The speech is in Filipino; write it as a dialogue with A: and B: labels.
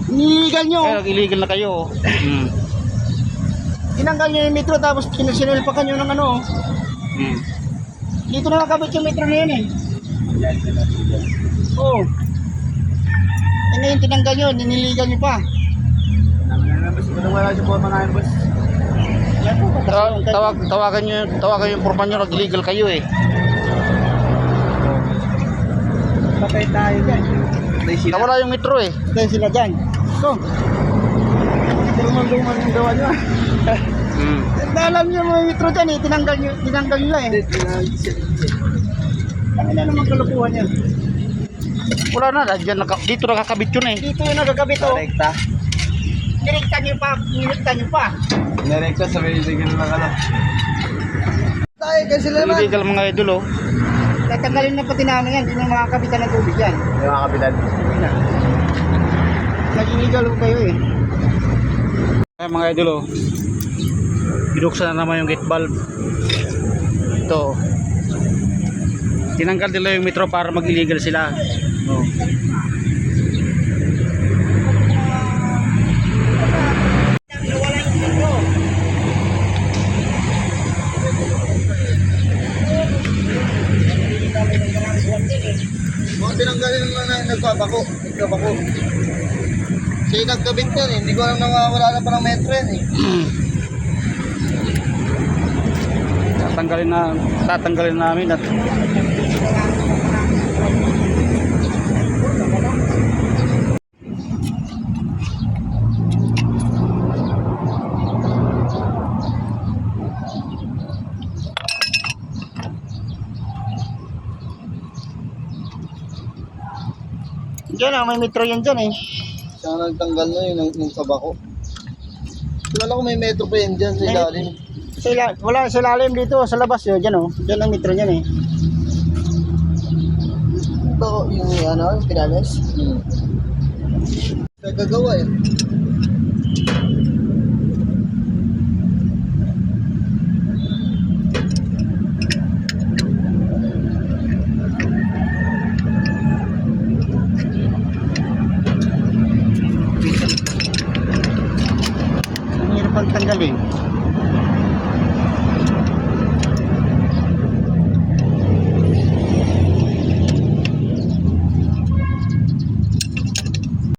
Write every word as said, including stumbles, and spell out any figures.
A: Illegal nyo.
B: Eh, illegal na kayo. Hmm.
A: Tinanggal nyo yung metro tapos sinulpakan nyo ng ano.
B: Hmm.
A: Dito na nakabit yung metro na yun eh. Oo. Oh. E ngayon tinanggal nyo, niniligal nyo pa.
C: Wala siya po mga boss.
A: Yan po,
B: Taw- tawag, tawagan nyo, tawagan yung porman nyo, nag-illegal kayo eh.
C: Patay tayo dyan.
B: Nawala yung metro eh.
A: Kaya sila dyan. So, duman-duman yung gawa nyo.
B: Hmm.
A: Alam nyo mga metro dyan eh, tinanggal nyo, tinanggal nyo eh. Ano na naman kalukuhan yan?
B: Wala na, dyan, naka, dito nakakabit yun eh.
A: Dito yung nagagabit oh.
C: Direkta.
A: Nirekta nyo pa, nirekta nyo pa.
C: Direkta sa may illegal na kala. Tayo kasi sila naman.
B: Illegal mga idol oh.
A: Tatanggalin na pati namin yan, hindi na makakapitan ng tubig yan.
C: Yung mga kapitan.
A: Nag-illegal po kayo eh.
B: Ay mga idol oh. Binuksan na naman yung gate valve. Ito oh. Tinanggal nila yung metro para mag-illegal sila. Oh.
C: Mga tinanggalin naman na nagpapako. Nagpapako. Kasi nagkabit yan eh. Hindi ko alam na wala na pa ng metro yan eh.
B: Tatanggalin na tatanggalin namin at
A: Diyan ah, may metro yan dyan eh.
C: Siya nagtanggal na yun ng sabako. Wala ko may metro pa yan dyan sa
A: May-
C: ilalim.
A: Sa ila- wala sa lalim dito, sa labas yun, dyan oh. Dyan ang metro niyan eh.
C: Ito yung ano, yung Pinales. Hmm. Nagagawa eh.
A: Ang hirap ang tanggalin.